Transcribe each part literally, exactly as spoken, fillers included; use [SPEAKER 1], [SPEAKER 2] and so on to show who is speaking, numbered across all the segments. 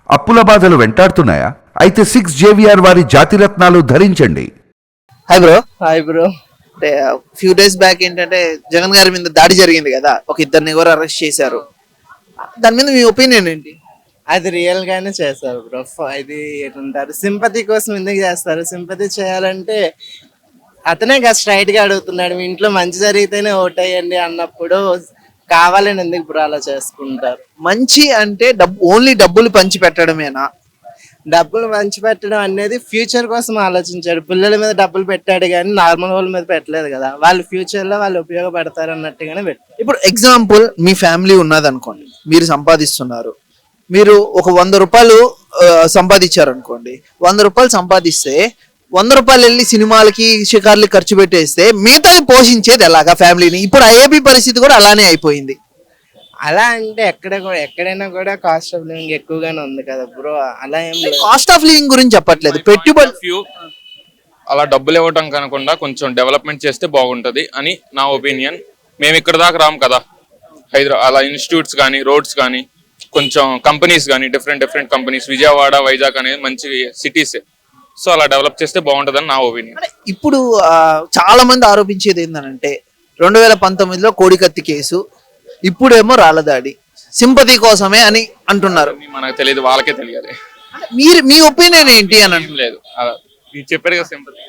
[SPEAKER 1] అప్పుల బాధలు వెంటాడుతున్నాయా? అయితే సిక్స్ జేవిఆర్ వారి జాతిరత్నాలు ధరించండి.
[SPEAKER 2] Hi bro.
[SPEAKER 3] Hi bro.
[SPEAKER 2] అంటే ఫ్యూ డేస్ బ్యాక్ ఏంటంటే జగన్ గారి మీద దాడి జరిగింది కదా, ఒక ఇద్దరిని ఎవరు అరెస్ట్ చేశారు, దాని మీద మీ ఒపీనియన్ ఏంటి?
[SPEAKER 3] అది రియల్ గానే చేస్తారు బ్రో. ఇది ఏంటారు, సింపతి కోసం ఎందుకు చేస్తారు? సింపతి చేయాలంటే అతనే కదా స్ట్రైట్ గా అడుగుతున్నాడు, మీ ఇంట్లో మంచి జరిగితేనే ఓటేయండి అన్నప్పుడు కావాలని ఎందుకు బ్రో అలా చేసుకుంటారు?
[SPEAKER 2] మంచి అంటే డబ్బు, ఓన్లీ డబ్బులు పంచి పెట్టడమేనా?
[SPEAKER 3] డబ్బులు పంచి పెట్టడం అనేది ఫ్యూచర్ కోసం ఆలోచించాడు. పిల్లల మీద డబ్బులు పెట్టాడు కానీ నార్మల్ వాళ్ళ మీద పెట్టలేదు కదా. వాళ్ళు ఫ్యూచర్ లో వాళ్ళు ఉపయోగపడతారు అన్నట్టుగానే పెట్టారు.
[SPEAKER 2] ఇప్పుడు ఎగ్జాంపుల్, మీ ఫ్యామిలీ ఉన్నది అనుకోండి, మీరు సంపాదిస్తున్నారు, మీరు ఒక వంద రూపాయలు సంపాదించారు అనుకోండి, వంద రూపాయలు సంపాదిస్తే వంద రూపాయలు వెళ్ళి సినిమాలకి షికార్లకి ఖర్చు పెట్టేస్తే మిగతాది పోషించేది ఎలాగా ఫ్యామిలీని? ఇప్పుడు ఐఏబీ పరిస్థితి కూడా అలానే అయిపోయింది.
[SPEAKER 3] అలా అంటే ఎక్కడ కూడా ఎక్కడైనా కూడా కాస్ట్ ఆఫ్ లివింగ్ ఎక్కువగానే ఉంది కదా బ్రో. అలా ఏం లేదు.
[SPEAKER 2] కాస్ట్ ఆఫ్ లివింగ్ గురించి చెప్పట్లేదు, పెట్టుబడి.
[SPEAKER 4] ఫ్యూ అలా డబ్బులు ఇవ్వటం కనకుండా కొంచెం డెవలప్మెంట్ చేస్తే బాగుంటది అని నా ఒపీనియన్. మేము ఇక్కడ దాకా రాము కదా, హైదరాబాద్ అలా ఇన్స్టిట్యూట్స్ కానీ రోడ్స్ కానీ కొంచెం కంపెనీస్ కానీ different different companies, Vijayawada Vizag అనేది మంచి సిటీస్, సో అలా డెవలప్ చేస్తే బాగుంటదని నా ఒపీనియన్.
[SPEAKER 2] ఇప్పుడు చాలా మంది ఆరోపించేది ఏంటంటే రెండు వేల పంతొమ్మిదిలో కోడికత్తి కేసు, ఇప్పుడేమో రాళ్ళదాడి, సింపతి కోసమే అని అంటున్నారు.
[SPEAKER 4] మనకు తెలియదు, వాళ్ళకే తెలియాలి.
[SPEAKER 2] మీరు మీ ఒపీనియన్ ఏంటి అని?
[SPEAKER 4] లేదు, చెప్పారు కదా సింపతి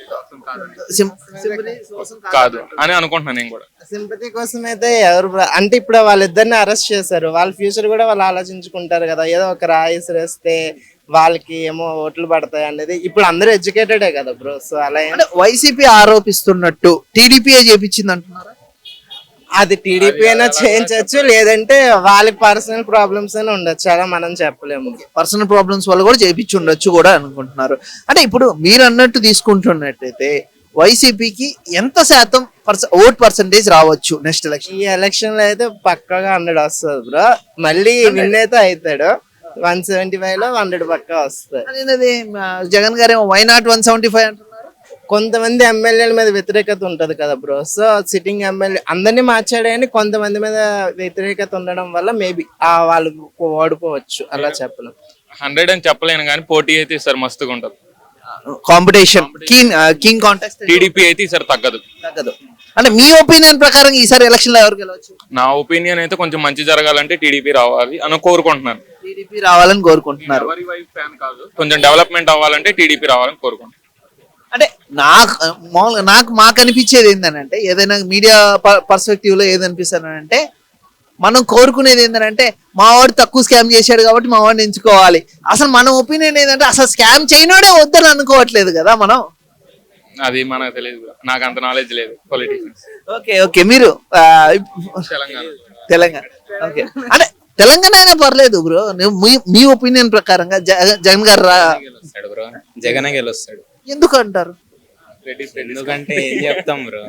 [SPEAKER 4] కాదు అని అనుకుంటున్నాను నేను కూడా.
[SPEAKER 3] సింపతి కోసం అయితే ఎవరు అంటే ఇప్పుడు వాళ్ళిద్దరిని అరెస్ట్ చేశారు, వాళ్ళ ఫ్యూచర్ కూడా వాళ్ళు ఆలోచించుకుంటారు కదా. ఏదో ఒక రాయిస్ వేస్తే వాళ్ళకి ఏమో ఓట్లు పడతాయి అనేది. ఇప్పుడు అందరూ ఎడ్యుకేటెడే కదా బ్రో. సో అలా
[SPEAKER 2] వైసీపీ ఆరోపిస్తున్నట్టు టీడీపీ చేపించింది అంటున్నారు.
[SPEAKER 3] అది టీడీపీ అయినా చేయించవచ్చు, లేదంటే వాళ్ళకి పర్సనల్ ప్రాబ్లమ్స్ అయినా ఉండొచ్చు, అలా మనం చెప్పలేము.
[SPEAKER 2] పర్సనల్ ప్రాబ్లమ్స్ వల్ల కూడా చేపించి ఉండొచ్చు కూడా అనుకుంటున్నారు. అంటే ఇప్పుడు మీరు అన్నట్టు తీసుకుంటున్నట్టయితే వైసీపీకి ఎంత శాతం ఓట్ పర్సంటేజ్ రావచ్చు నెక్స్ట్ ఎలక్షన్?
[SPEAKER 3] ఈ ఎలక్షన్ లో అయితే పక్కగా హండ్రెడ్ వస్తుంది బ్రో. మళ్ళీ విన్ అయితే అవుతాడు. వన్ సెవెంటీ ఫైవ్ లో హండ్రెడ్ పక్కా వస్తుంది.
[SPEAKER 2] జగన్ గారు ఏమో why not one seventy five అంటున్నారు.
[SPEAKER 3] కొంతమంది ఎమ్మెల్యేల మీద వ్యతిరేకత ఉంటది కదా బ్రో. సో సిట్టింగ్ ఎమ్మెల్యే అందరినీ మార్చాడు కానీ కొంతమంది మీద వ్యతిరేకత ఉండడం వల్ల మేబీ వాళ్ళు ఓడిపోవచ్చు, అలా చెప్పలేం.
[SPEAKER 4] హండ్రెడ్ అని చెప్పలేను కానీ పోటీ అయితే ఈసారి మస్తుగా ఉంటది.
[SPEAKER 2] Competition king king contest
[SPEAKER 4] TDP అయితే ఈసారి తగ్గదు.
[SPEAKER 2] తగ్గదు అంటే మీ ఒపీనియన్ ప్రకారం ఈసారి ఎలక్షన్ లో ఎవరు గెలవచ్చు?
[SPEAKER 4] నా ఒపీనియన్ అయితే కొంచెం మంచి జరగాలంటే టీడీపీ రావాలి అని కోరుకుంటున్నాను.
[SPEAKER 2] టీడీపీ రావాలని కోరుకుంటున్నారు.
[SPEAKER 4] కొంచెం డెవలప్మెంట్ అవ్వాలంటే టీడీపీ రావాలని కోరుకుంటున్నాను.
[SPEAKER 2] అంటే నాకు మామూలుగా నాకు మాకు అనిపించేది ఏంటంటే, ఏదైనా మీడియా పర్స్పెక్టివ్ లో ఏదనిపిస్తానంటే, మనం కోరుకునేది ఏంటంటే మా వాడు తక్కువ స్కామ్ చేశాడు కాబట్టి మా వాడిని ఎంచుకోవాలి. అసలు మన ఒపీనియన్ ఏంటంటే అసలు స్కామ్ చేయనోడే వద్దని అనుకోవట్లేదు కదా మనం.
[SPEAKER 4] అది మనకు తెలియదు, నాకు అంత నాలెడ్జ్ లేదు పొలిటిషియన్స్.
[SPEAKER 2] ఓకే ఓకే మీరు
[SPEAKER 4] తెలంగాణ
[SPEAKER 2] తెలంగాణ ఓకే అంటే తెలంగాణ అయినా పర్లేదు బ్రో. మీ ఒపీనియన్ ప్రకారంగా జగన్ గారు
[SPEAKER 5] బ్రో జగన్ గెలుస్తాడు.
[SPEAKER 2] ఎందుకు అంటారు?
[SPEAKER 5] ఎందుకంటే ఏం చెప్తాం బ్రో,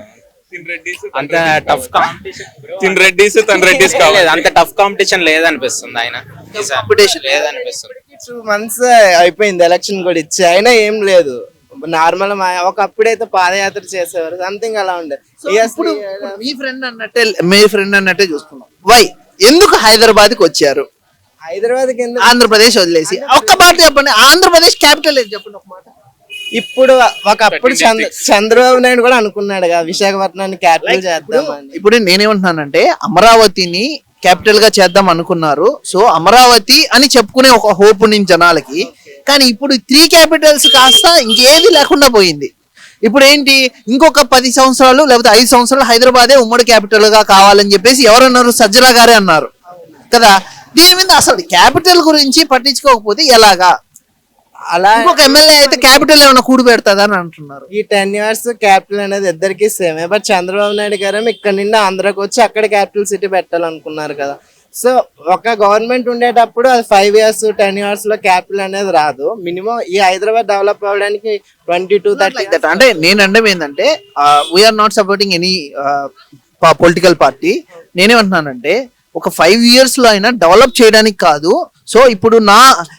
[SPEAKER 5] అంత టఫ్ కాంపిటీషన్
[SPEAKER 4] రెడ్డిస్ తన రెడ్డిస్ కావాలి,
[SPEAKER 5] అంత టఫ్ కాంపిటీషన్ లేదనిపిస్తుంది. ఆయన
[SPEAKER 2] కాంపిటీషన్
[SPEAKER 5] లేదనిపిస్తుంది.
[SPEAKER 3] టూ మంత్స్ అయిపోయింది ఎలక్షన్ కూడా ఇచ్చి, అయినా ఏం లేదు. నార్మల్ ఒకప్పుడైతే పాదయాత్ర చేసేవారు, సంథింగ్ అలా ఉండే.
[SPEAKER 2] ఇప్పుడు మీ ఫ్రెండ్ అన్నట్టే మీ ఫ్రెండ్ అన్నట్టే చూసుకున్నాం. వై ఎందుకు హైదరాబాద్ కి వచ్చారు?
[SPEAKER 3] హైదరాబాద్ కి
[SPEAKER 2] ఆంధ్రప్రదేశ్ వదిలేసి ఒక్క మాట చెప్పండి. ఆంధ్రప్రదేశ్ క్యాపిటల్ ఏది చెప్పండి ఒక మాట.
[SPEAKER 3] ఇప్పుడు ఒకప్పుడు చంద్ర చంద్రబాబు నాయుడు కూడా అనుకున్నాడు కదా విశాఖపట్నాన్ని క్యాపిటల్ చేద్దామని.
[SPEAKER 2] ఇప్పుడు నేనేమంటున్నానంటే అమరావతిని క్యాపిటల్ గా చేద్దాం అనుకున్నారు. సో అమరావతి అని చెప్పుకునే ఒక హోప్ ఉంది జనాలకి. కానీ ఇప్పుడు త్రీ క్యాపిటల్స్ కాస్త ఇంకేది లేకుండా పోయింది. ఇప్పుడు ఏంటి, ఇంకొక పది సంవత్సరాలు లేకపోతే ఐదు సంవత్సరాలు హైదరాబాదే ఉమ్మడి క్యాపిటల్ గా కావాలని చెప్పేసి ఎవరన్నారు? సజ్జల గారే అన్నారు కదా. దీని మీద అసలు క్యాపిటల్ గురించి పట్టించుకోకపోతే ఎలాగా?
[SPEAKER 3] అలా
[SPEAKER 2] ఇంకొక ఎమ్మెల్యే అయితే క్యాపిటల్ ఏమైనా కూడి పెడతాదా అని అంటున్నారు.
[SPEAKER 3] ఈ టెన్ ఇయర్స్ క్యాపిటల్ అనేది ఇద్దరికి సేమే. బట్ చంద్రబాబు నాయుడు గారు ఇక్కడ నుండి ఆంధ్రాకి వచ్చి అక్కడ క్యాపిటల్ సిటీ పెట్టాలనుకున్నారు కదా. సో ఒక గవర్నమెంట్ ఉండేటప్పుడు అది ఫైవ్ ఇయర్స్ టెన్ ఇయర్స్ లో క్యాపిటల్ అనేది రాదు. మినిమం ఈ హైదరాబాద్ డెవలప్ అవ్వడానికి ట్వంటీ టూ థర్టీ
[SPEAKER 2] అంటే నేను అంటే ఏంటంటే we're not supporting any political party. నేనేమంటున్నానంటే ఒక ఫైవ్ ఇయర్స్ లో అయినా డెవలప్ చేయడానికి కాదు. సో ఇప్పుడు నా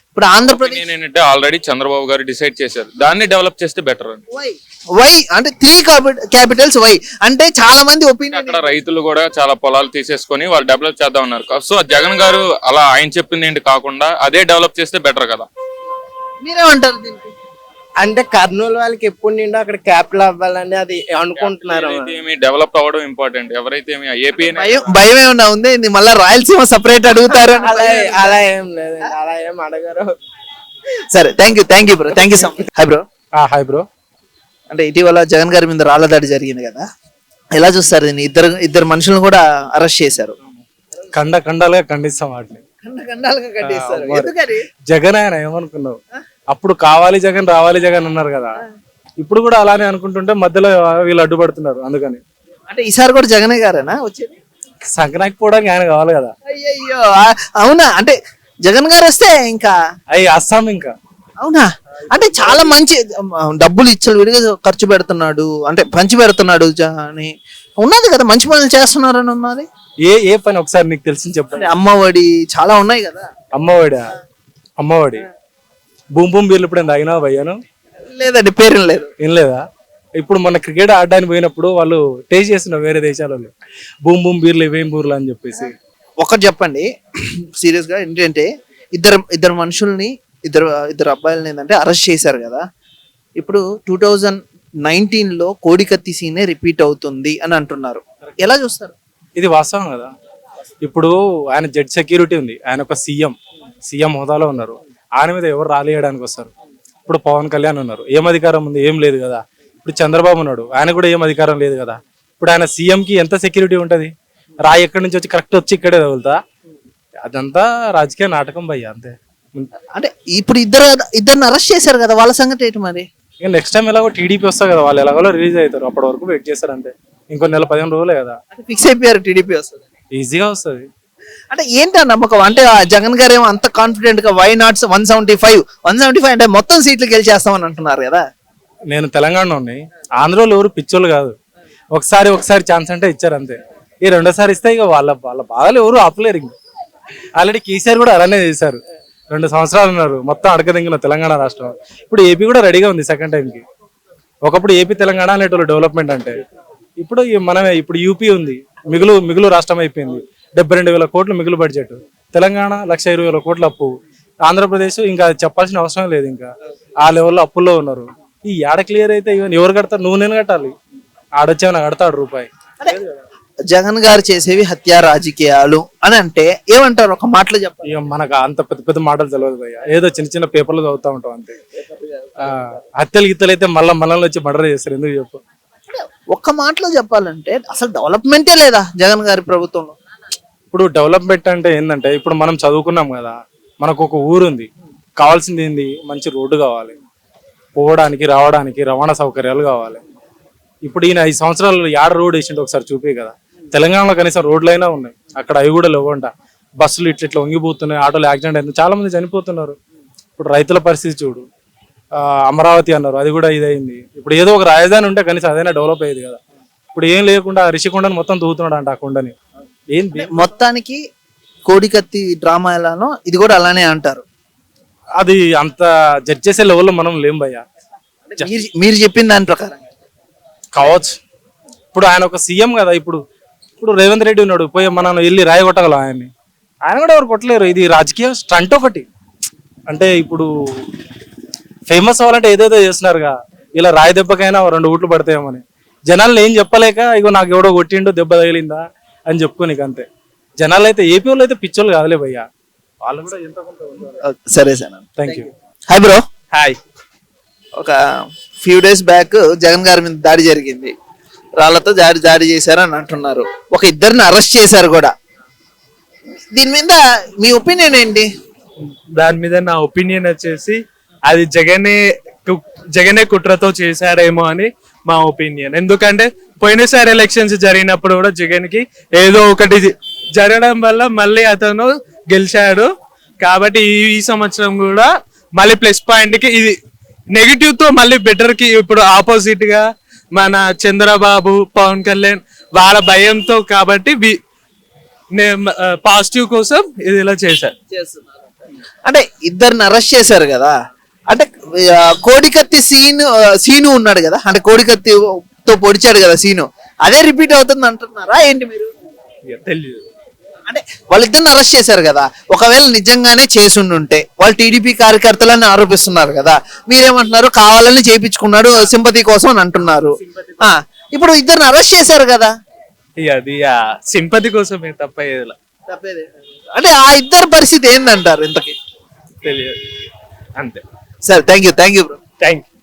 [SPEAKER 2] ఇప్పుడు ఆంధ్రప్రదేశ్
[SPEAKER 4] నేను ఏంటంటే ఆల్రెడీ చంద్రబాబు గారు డిసైడ్ చేశారు, దాన్ని డెవలప్ చేస్తే బెటర్ అని.
[SPEAKER 2] వై వై అంటే త్రీ క్యాపిటల్స్ వై అంటే చాలా మంది ఒపీనియన్.
[SPEAKER 4] అక్కడ రైతులు కూడా చాలా పొలాలు తీసేసుకొని వాళ్ళు డెవలప్ చేద్దాం ఉన్నారు. సో జగన్ గారు అలా ఆయన చెప్పింది ఏంటి కాకుండా అదే డెవలప్ చేస్తే బెటర్ కదా.
[SPEAKER 2] మీరేమంటారు దీనికి?
[SPEAKER 3] అంటే కర్నూలు వాళ్ళకి ఎప్పుడు నిండో అక్కడ క్యాపిటల్ అవ్వాలని అది అనుకుంటున్నారు.
[SPEAKER 4] డెవలప్ అవ్వడం ఇంపార్టెంట్. ఎవరైతే ఏపీ
[SPEAKER 2] భయం భయం ఏమన్నా ఉంది ఇది మళ్ళీ రాయలసీమ సపరేట్ అడుగుతారు అని?
[SPEAKER 3] అలా అలా ఏం లేదు, అలా ఏం అడగరు.
[SPEAKER 2] సరే thank you thank you bro thank you so much. Hi bro.
[SPEAKER 6] Hi bro.
[SPEAKER 2] అంటే ఇటీవల జగన్ గారి మీద రాళ్ల దాడి జరిగింది కదా, ఎలా చూస్తారు దీన్ని? ఇద్దరు ఇద్దరు మనుషులను కూడా అరెస్ట్ చేశారు.
[SPEAKER 6] కండ కండాలుగా ఖండిస్తాం వాటిని. జగన్ ఆయన ఏమనుకున్నావు, అప్పుడు కావాలి జగన్ రావాలి జగన్ అన్నారు కదా, ఇప్పుడు కూడా అలానే అనుకుంటుంటే మధ్యలో వీళ్ళు అడ్డుపడుతున్నారు. అందుకని
[SPEAKER 2] అంటే ఈసారి కూడా జగనే గారేనా వచ్చేది?
[SPEAKER 6] సంక్రాంతికి పోవడానికి ఆయన కావాలి కదా.
[SPEAKER 2] అయ్యయ్యో ఆ- అవునా? అంటే జగన్ గారు వస్తే ఇంకా
[SPEAKER 6] అవి అస్సాం ఇంకా.
[SPEAKER 2] అవునా? అంటే చాలా మంచి డబ్బులు ఇచ్చలు విడిగా ఖర్చు పెడుతున్నాడు, అంటే పంచి పెడుతున్నాడు జ- అని ఉన్నది కదా, మంచి పనులు చేస్తున్నారు అని ఉన్నది.
[SPEAKER 6] ఏ ఏ పని ఒకసారి నీకు తెలిసి చెప్పండి.
[SPEAKER 2] అంటే అమ్మఒడి చాలా ఉన్నాయి కదా.
[SPEAKER 6] అమ్మఒడి అమ్మఒడి బూమ్ బూమ్ బీర్లు ఇప్పుడు తాగినావా భయ్యాను?
[SPEAKER 2] లేదండి, పేరు లేదు.
[SPEAKER 6] ఏం లేదా? ఇప్పుడు మన క్రికెట్ ఆడడానికి పోయినప్పుడు వాళ్ళు టేస్ట్ చేస్తున్నారు వేరే దేశాలలో, బూమ్ బూమ్ బీర్లు ఇవేం బూర్లు అని చెప్పేసి.
[SPEAKER 2] ఒకటి చెప్పండి సీరియస్ గా, ఏంటంటే ఇద్దరు ఇద్దరు మనుషుల్ని ఇద్దరు ఇద్దరు అబ్బాయిలని ఏంటంటే అరెస్ట్ చేశారు కదా. ఇప్పుడు టూ థౌజండ్ నైన్టీన్ లో కోడికత్తి సీనే రిపీట్ అవుతుంది అని అంటున్నారు. ఎలా చూస్తారు?
[SPEAKER 6] ఇది వాస్తవం కదా. ఇప్పుడు ఆయన జడ్ సెక్యూరిటీ ఉంది, ఆయన ఒక సీఎం సీఎం హోదాలో ఉన్నారు. ఆయన మీద ఎవరు రాలేయడానికి వస్తారు? ఇప్పుడు పవన్ కళ్యాణ్ ఉన్నారు, ఏం అధికారం ఉంది? ఏం లేదు కదా. ఇప్పుడు చంద్రబాబు ఉన్నాడు, ఆయన కూడా ఏం అధికారం లేదు కదా. ఇప్పుడు ఆయన సీఎం కి ఎంత సెక్యూరిటీ ఉంటది? రాయి ఎక్కడి నుంచి వచ్చి కరెక్ట్ వచ్చి ఇక్కడే తగులుతా? అదంతా రాజకీయ నాటకం భయ్య, అంతే.
[SPEAKER 2] అంటే ఇప్పుడు ఇద్దరు ఇద్దరిని అరెస్ట్ చేశారు కదా, వాళ్ళ సంగతి ఏంటి మరి?
[SPEAKER 6] ఇక నెక్స్ట్ టైం ఎలాగో టీడీపీ వస్తారు కదా, వాళ్ళు ఎలాగో రిలీజ్ అవుతారు, అప్పటి వరకు వెయిట్ చేస్తారు అంతే. ఇంకో నెల పదిహేను రోజులే కదా,
[SPEAKER 2] ఫిక్స్ అయిపోయారు టీడీపీ వస్తుంది,
[SPEAKER 6] ఈజీగా వస్తుంది.
[SPEAKER 2] అంటే ఏంటి ఆ నమ్మకం? అంటే ఆ జగన్ గారు ఏమో అంత కాన్ఫిడెంట్ గా why nots one seventy five one seventy five అంటే మొత్తం సీట్లు గెలిచేస్తామని అంటున్నారు కదా.
[SPEAKER 6] నేను తెలంగాణ ఉన్నాయి, ఆంధ్రలో ఎవరు పిచ్చోళ్ళు కాదు. ఒకసారి ఒకసారి ఛాన్స్ అంటే ఇచ్చారు అంతే. ఈ రెండోసారి ఇస్తే ఇక వాళ్ళ వాళ్ళ బాధలు ఎవరు ఆపలేరు. ఇంక ఆల్రెడీ కేసీఆర్ కూడా అలానే చేశారు, రెండు సంవత్సరాలు ఉన్నారు మొత్తం అడగదింగిన తెలంగాణ రాష్ట్రం. ఇప్పుడు ఏపీ కూడా రెడీగా ఉంది సెకండ్ టైంకి. ఒకప్పుడు ఏపీ తెలంగాణ అనేటోళ్ళు డెవలప్మెంట్ అంటే, ఇప్పుడు ఈ మనమే ఇప్పుడు యూపీ ఉంది, మిగులు మిగులు రాష్ట్రం అయిపోయింది. డెబ్బై రెండు వేల కోట్లు మిగులు బడ్జెట్, తెలంగాణ లక్ష ఇరవై వేల కోట్ల అప్పు, ఆంధ్రప్రదేశ్ ఇంకా చెప్పాల్సిన అవసరం లేదు, ఇంకా ఆ లెవెల్లో అప్పుల్లో ఉన్నారు. ఈ ఏడ క్లియర్ అయితే ఈవెన్ ఎవరు కడతారు? నువ్వు నేను కట్టాలి, ఆడొచ్చేమన్నా కడతాడు రూపాయి.
[SPEAKER 2] జగన్ గారు చేసేవి హత్యా రాజకీయాలు అని అంటే ఏమంటారు? ఒక మాటలో చెప్పాలి.
[SPEAKER 6] ఇక మనకు అంత పెద్ద పెద్ద మాటలు తెలియదు భయ్య, ఏదో చిన్న చిన్న పేపర్లు చదువుతా ఉంటాం అంతే. ఆ హత్యలు గిత్తలు అయితే మళ్ళీ మనల్ని వచ్చి మర్డర్ చేస్తారు, ఎందుకు చెప్పు?
[SPEAKER 2] ఒక్క మాటలో చెప్పాలంటే అసలు డెవలప్మెంటే లేదా జగన్ గారి ప్రభుత్వంలో.
[SPEAKER 6] ఇప్పుడు డెవలప్మెంట్ అంటే ఏంటంటే, ఇప్పుడు మనం చదువుకున్నాం కదా, మనకు ఒక ఊరు ఉంది, కావాల్సింది ఏంది? మంచి రోడ్డు కావాలి, పోవడానికి రావడానికి రవాణా సౌకర్యాలు కావాలి. ఇప్పుడు ఈయన ఐదు సంవత్సరాలు యాడ రోడ్ వేసిండు ఒకసారి చూపే కదా. తెలంగాణలో కనీసం రోడ్లు అయినా ఉన్నాయి, అక్కడ అవి కూడా లేవంట. బస్సులు ఇట్లా ఇట్లా వంగిపోతున్నాయి, ఆటోలు యాక్సిడెంట్ అయింది, చాలా మంది చనిపోతున్నారు. ఇప్పుడు రైతుల పరిస్థితి చూడు, ఆ అమరావతి అన్నారు, అది కూడా ఇదైంది. ఇప్పుడు ఏదో ఒక రాజధాని ఉంటే కనీసం అదైనా డెవలప్ అయ్యేది కదా. ఇప్పుడు ఏం లేకుండా రిషికొండని మొత్తం దూకుతున్నాడు అంట, ఆ కొండని. ఏం
[SPEAKER 2] మొత్తానికి కోడికత్తి డ్రామా ఎలానో ఇది కూడా అలానే అంటారు.
[SPEAKER 6] అది అంత జడ్జ్ చేసే లెవెల్లో మనం లేం భయ్యా.
[SPEAKER 2] మీరు మీరు చెప్పిన దాని ప్రకారం
[SPEAKER 6] కావచ్చు. ఇప్పుడు ఆయన ఒక సీఎం కదా. ఇప్పుడు ఇప్పుడు రేవంత్ రెడ్డి ఉన్నాడు, పోయి మనం వెళ్ళి రాయి కొట్టగలం ఆయన్ని? ఆయన కూడా ఎవరు కొట్టలేరు. ఇది రాజకీయ స్టంట్ ఒకటి. అంటే ఇప్పుడు ఫేమస్ అవ్వాలంటే ఏదేదో చేస్తున్నారుగా, ఇలా రాయి దెబ్బకైనా రెండు ఓట్లు పడతాయేమని. జనాలను ఏం చెప్పలేక ఇగో నాకు ఎవడో కొట్టిండో దెబ్బ తగిలిందా అని చెప్పుకోనికి అంతే. జనాలు అయితే ఏపీ వాళ్ళు అయితే పిచ్చోళ్ళు కాదులే భయ్యా, వాళ్ళు కూడా ఎంత కొంత ఉన్నారు.
[SPEAKER 2] సరే sir,
[SPEAKER 6] thank you.
[SPEAKER 2] Hi bro.
[SPEAKER 5] Hi.
[SPEAKER 2] ఒక ఫ్యూ డేస్ బ్యాక్ జగన్ గారి మీద దాడి జరిగింది, రాళ్లతో దాడి దాడి చేశారు అని అంటున్నారు. ఒక ఇద్దరిని అరెస్ట్ చేశారు కూడా. దీని మీద మీ ఒపీనియన్ ఏంటి?
[SPEAKER 7] దాని మీద నా ఒపీనియన్ వచ్చేసి అది జగనే కు- జగనే కుట్రతో చేశారేమో అని మా ఒపీనియన్. ఎందుకంటే పోయినసారి ఎలక్షన్స్ జరిగినప్పుడు కూడా జగన్ కి ఏదో ఒకటి జరగడం వల్ల మళ్ళీ అతను గెలిచాడు. కాబట్టి ఈ ఈ సంవత్సరం కూడా మళ్ళీ ప్లస్ పాయింట్ కి ఇది నెగిటివ్ తో మళ్ళీ బెటర్ కి ఇప్పుడు ఆపోజిట్ గా మన చంద్రబాబు పవన్ కళ్యాణ్ వాళ్ళ భయంతో కాబట్టి పాజిటివ్ కోసం ఇది ఇలా చేశారు.
[SPEAKER 2] అంటే ఇద్దరిని అరెస్ట్ చేశారు కదా, అంటే ఆ, కోడికత్తి సీన్ సీను ఉన్నాడు కదా, అంటే కోడికత్తితో పొడిచాడు కదా సీను, అదే రిపీట్ అవుతుంది అంటున్నారా ఏంటి మీరు?
[SPEAKER 7] తెలియదు.
[SPEAKER 2] అంటే వాళ్ళిద్దరిని అరెస్ట్ చేశారు కదా, ఒకవేళ నిజంగానే చేసుండుంటే వాళ్ళు టీడీపీ కార్యకర్తలని ఆరోపిస్తున్నారు కదా, మీరేమంటున్నారు కావాలని చేయించుకున్నాడు సింపతి కోసం అని అంటున్నారు. ఆ, ఇప్పుడు ఇద్దరిని అరెస్ట్ చేశారు కదా,
[SPEAKER 7] ఇక అది సింపతి కోసమే తప్ప ఏదిలా
[SPEAKER 2] అంటే ఆ ఇద్దరు పరిస్థితి ఏందంటారు ఇంతకి?
[SPEAKER 7] తెలియదు అంతే.
[SPEAKER 2] సరే, thank you thank you bro.
[SPEAKER 7] Thank you.